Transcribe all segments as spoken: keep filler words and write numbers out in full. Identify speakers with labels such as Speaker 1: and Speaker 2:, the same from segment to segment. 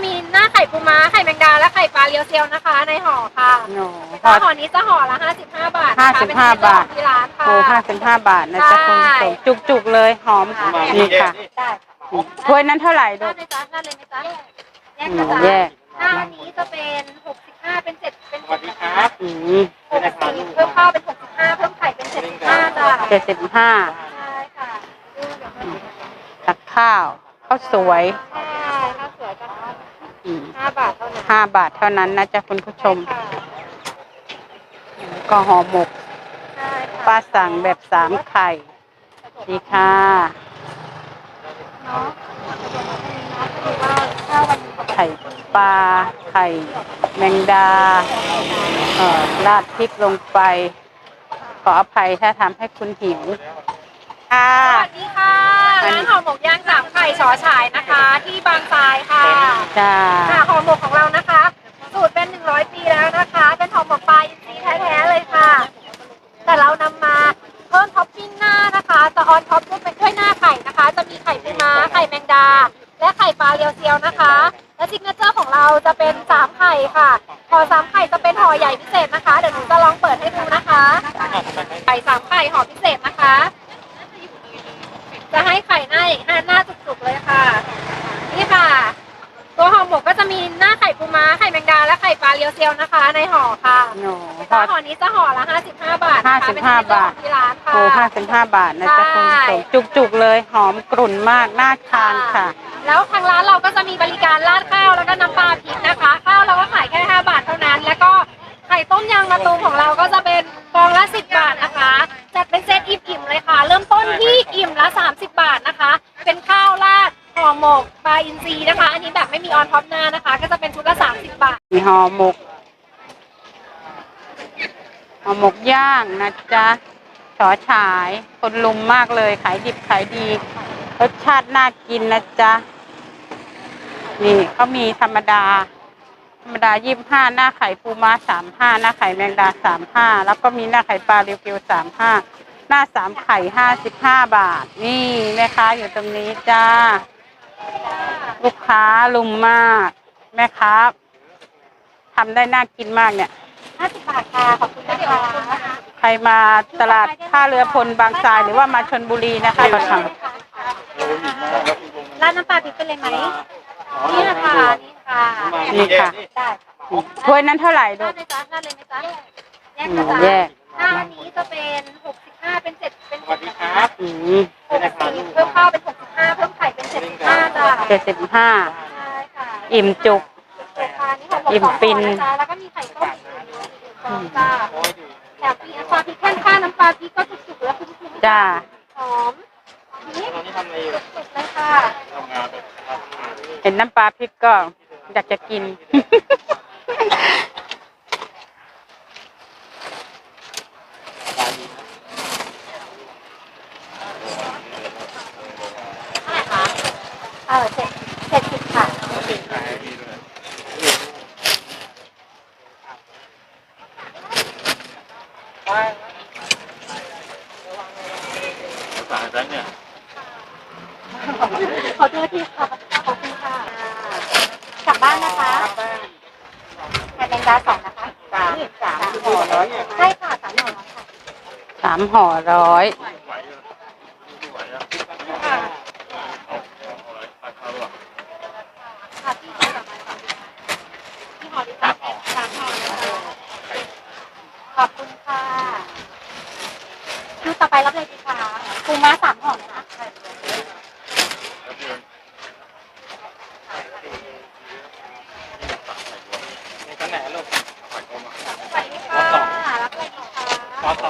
Speaker 1: มีหน้าไข่ปูม้าไข่แมงดาและไข่ปลาเรียวเซียวนะคะในห่อค่ะห่อนี้จะห่อละห้าสิบห้าบาท
Speaker 2: ห้าสิบห้าบาท
Speaker 1: ที่ร้านค่ะ
Speaker 2: โอ้ห้าสิบห้าบาทนะจ๊ะคุณผู้ชมจุกๆเลยหอมนี่ค่ะถ้วยนั้นเท่าไหร่ดู
Speaker 1: ได้ไหมจ๊ะได้เลยไหมจ๊ะแยก
Speaker 2: อื
Speaker 1: นะ
Speaker 2: ม
Speaker 1: จ๊ะ
Speaker 2: แยก
Speaker 1: หน้าอันนี้จะเป็นหกสิบห้าเป็นเจ็ดเป็น
Speaker 3: สวัสดีครับ
Speaker 2: อืม
Speaker 1: หกสิบเพิ่มข้าวเป็นหกสิบห้าเพิ่มไข่เป็นเจ็ดสิบห้าจ้ะ
Speaker 2: เจ็ดสิบห้า
Speaker 1: ใช่ค่ะ
Speaker 2: ตักข้าวข้าวสวย
Speaker 1: ใช่ข้าวสวยก็
Speaker 2: อืม
Speaker 1: ห้าบาทเท่านั้น
Speaker 2: ห้าบาทเท่านั้นนะจ๊ะคุณผู้ชม
Speaker 1: ค่ะ
Speaker 2: ก็ห่อหมก
Speaker 1: ใช่ค่ะ
Speaker 2: ป้าสั่งแบบสามไข่ดีค่ะ
Speaker 1: เนาะว่าถ้าวันนี้
Speaker 2: ไข่ปลาไข่แมงดาเอ่อราดพริกลงไป ขออภัยถ้าทำให้คุณหิวค่ะ
Speaker 1: สวัสดีค่ะร้านห่อหมกย่างสามไข่ชอฉายนะคะ ที่บางทรายค่ะ
Speaker 2: จ้า
Speaker 1: ค่ะห่อหมกของเรานะคะ สูตรเป็นหนึ่งร้อยปีแล้วนะคะ เป็นห่อหมกปลาอินทรีย์แท้ๆเลยค่ะ แต่เรานำมาเพิ่มท็อปปิ้งหน้านะคะจะออนท็อปด้วยเป็นด้วยหน้าไข่นะคะ จะมีไข่ปูม้าไข่แมงดา และไข่ปลาเรียวเซียวนะคะ และซิกเนเจอร์ของเราจะเป็นสามไข่ค่ะห่อสามไข่จะเป็นห่อใหญ่พิเศษนะคะเดี๋ยวหนูจะลองเปิดให้ดูนะคะไข่สามไข่ห่อพิเศษนะคะ จะให้ไข่หน้าอย่างหน้าจุกๆเลยค่ะนี่ค่ะ ตัวห่อหมกก็จะมีหน้าไข่ปูม้าไข่แมงดาและไข่ปลาเรียวเซียวนะคะ ในห่อค่ะ
Speaker 2: โน่ท
Speaker 1: ตัว
Speaker 2: อด
Speaker 1: ห่อนี้จะห่อละห้าสิบห้าบาท
Speaker 2: ห้า
Speaker 1: นะคะ
Speaker 2: สิบห้าบาท
Speaker 1: เป็นที่ร้านค่ะ
Speaker 2: โอ้ห้าสิบห้าบาทนะจ๊ะคุณผู้ชมจุกๆเลยหอมกรุ่นมากน่าทานค่ะ
Speaker 1: แล้วทางร้านเราก็จะมีบริการราดข้าวแล้วก็น้ำปลาพริกนะคะ ข้าวเราก็ขายแค่ห้าบาทเท่านั้น แล้วก็ไข่ต้มยางมะตูมของเราก็จะเป็นฟองละสิบบาทนะคะจัดเป็นเซตอิ่มๆเลยค่ะ เริ่มต้นที่อิ่มละสามสิบบาทนะคะ เป็นข้าวราดห่อหมกปลาอินทรีนะคะ อันนี้แบบไม่มีออนท็อปหน้านะคะ ก็จะเป็นชุดละสามสิบบาท
Speaker 2: มีห่อหมกห่อหมกย่างนะจ๊ะฉอฉายคนลุมมากเลยขายดิบขายดีรสชาติน่ากินนะจ๊ะนี่เขามีธรรมดา ธรรมดายี่สิบห้าหน้าไข่ปูม้าสามห้าหน้าไข่แมงดาสามห้าแล้วก็มีหน้าไข่ปลาเรียวเกียวสามห้าหน้าสามไข่ห้าสิบห้าบาทนี่แม่ค้าอยู่ตรงนี้จ้าลูกค้าลุมมากแม่ค้าทำได้น่ากินมากเนี่ย
Speaker 1: ห้าสิบบาทค่ะ ขอบคุณนะคะ
Speaker 2: ใครมาตลาดท่าเรือพลบางทรายหรือว่ามาชลบุรีนะคะก็ท
Speaker 1: ร้านน้ำปลาพริกเป็นเลยไหมนี่นะคะนี่ค่ะ
Speaker 2: ำนี่ค่ะ
Speaker 1: ได้
Speaker 2: ถ้วยนั้นเท่าไหร่ดู
Speaker 1: ได้ไหมจ๊ะได้เลยไหมจ๊ะแยก
Speaker 2: อื
Speaker 1: นะ
Speaker 2: ม
Speaker 1: จ๊ะ
Speaker 2: แยก
Speaker 1: หน้าอันนี้จะเป็นหกสิบห้าเป็นเจ็ดเป็น
Speaker 3: สวัสดีครับ
Speaker 2: อืม
Speaker 1: หกสิบเพิ่มข้าวเป็นหกสิบห้าเพิ่มไข่เป็นเจ็ดสิบห้าจ้ะ
Speaker 2: เจ็ดสิบห้า
Speaker 1: ใช่ค่ะ
Speaker 2: อิ่มจุก
Speaker 1: ค่ะนี่ของผม
Speaker 2: อิ่ม
Speaker 1: สอง
Speaker 2: ฟิน
Speaker 1: ห่อนะจ๊ะแล้วก็มีไข่ต้มอีกหนึ่งฟองจ้าแถมมีน้ำปลาพริกแค่ข้าน้ำปลาพริกก็จุกๆแล้วคุณผู้ชม
Speaker 2: จ้า
Speaker 1: หอมนี่
Speaker 3: ตอนนี้ทำอะไรอยู่
Speaker 1: สุดๆเลยค่ะ
Speaker 3: ทำงานครับ
Speaker 2: เห็นน้ำปลาพริกก็อยากจะกิน
Speaker 1: เออเจ็ดเจ็ดสิบค่ะ
Speaker 3: สายแบงค์เนี่ย
Speaker 1: ขอโทษทีค่ะขอบคุณค่ะกลับบ้านนะคะไข่แมงดาสองนะคะสามสามห่อร้อยใช่ค่ะสามห่อร้อยค่ะ
Speaker 2: สามห่อร้อย
Speaker 3: ไหวเลยไม่ไหวแล้ว
Speaker 1: ค่ะ
Speaker 3: เอาเอาอะไรตัดเขาหรอ
Speaker 1: ค่ะพี่ขอสามห่อพี่ห่อดีค่ะสามห่อนะคะขอบคุณค่ะคิวต่อไปรับเลยดีค่ะปูม้าสามห่อนะคะ
Speaker 3: แล้วเดือนนี่ก็แหนลูกไหวกลมอ่ะ
Speaker 1: สวัสดีค่ะรับเลยดีค่ะ
Speaker 3: ซอสต่อ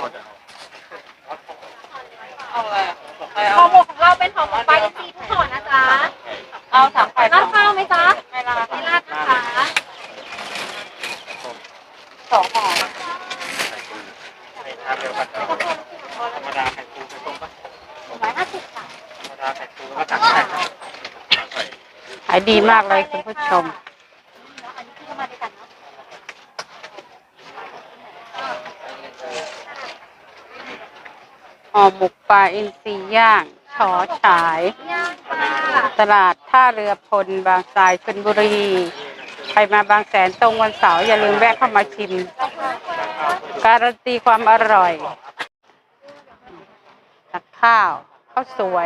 Speaker 3: เอาอะไรอ่ะ
Speaker 1: ห่อหมกของเราเป็นห่อหมกปลาอินทรีทุกห่อนะจ๊ะ
Speaker 2: เอาสามไข่
Speaker 1: ราดข้าวไหมจ๊ะ
Speaker 2: ไม่ราด
Speaker 1: ไม่ราดนะคะ
Speaker 2: สองห่อ
Speaker 3: ไข่ทาเร็วกันธรรมดาไข่ปูไข่ต้มปะ
Speaker 1: หนึ่งร้อยห้าสิบค่ะ
Speaker 3: ธรรมดาไข่ปูแล้วก็ตักไข่ไข่
Speaker 2: ขายดีมากเลยคุณผู้ชม
Speaker 1: อันนี้คือมาด้วยกันเนาะ
Speaker 2: ห่อหมกปลาอินทรีย่างฉอฉาย
Speaker 1: ย่างค่ะ
Speaker 2: ตลาดท่าเรือพลบางทรายชลบุรีใครมาบางแสนตรงวันเสาร์อย่าลืมแวะเข้ามาชิม การันตีความอร่อยตักข้าวข้าวสวย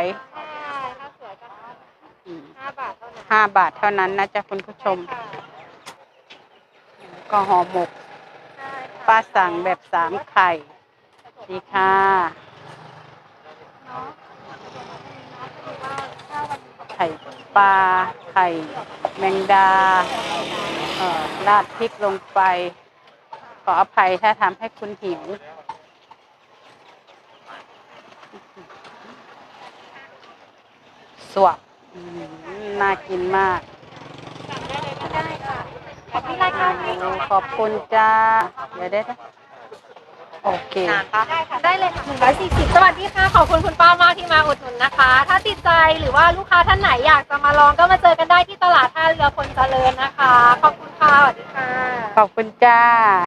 Speaker 2: อืม
Speaker 1: ห้าบาทเท่านั้น
Speaker 2: ห้าบาทเท่านั้นนะจ๊ะคุณผู้ชม ก็ห่อหมก ป้าสั่งแบบสามไข่ดีค่ะ ไข่ปลา ไข่แมงดาเอ่อราดพริกลงไป ขออภัยถ้าทำให้คุณหิว สวบอืมน่ากินมาก
Speaker 1: ได้ค่ะขอบคุณรายการนี้
Speaker 2: โอ้ขอบคุณจ้า เดี๋ยวได้นะโอเค
Speaker 1: ได้ค่ะได้เลยค่ะหนึ่งร้อยสี่สิบสวัสดีค่ะ ขอบคุณคุณป้ามากที่มาอุดหนุนนะคะ ถ้าติดใจหรือว่าลูกค้าท่านไหนอยากจะมาลองก็มาเจอกันได้ที่ตลาดท่าเรือพลเจริญนะคะ ขอบคุณค่ะ สวัสดีค่ะ
Speaker 2: ขอบคุณจ้า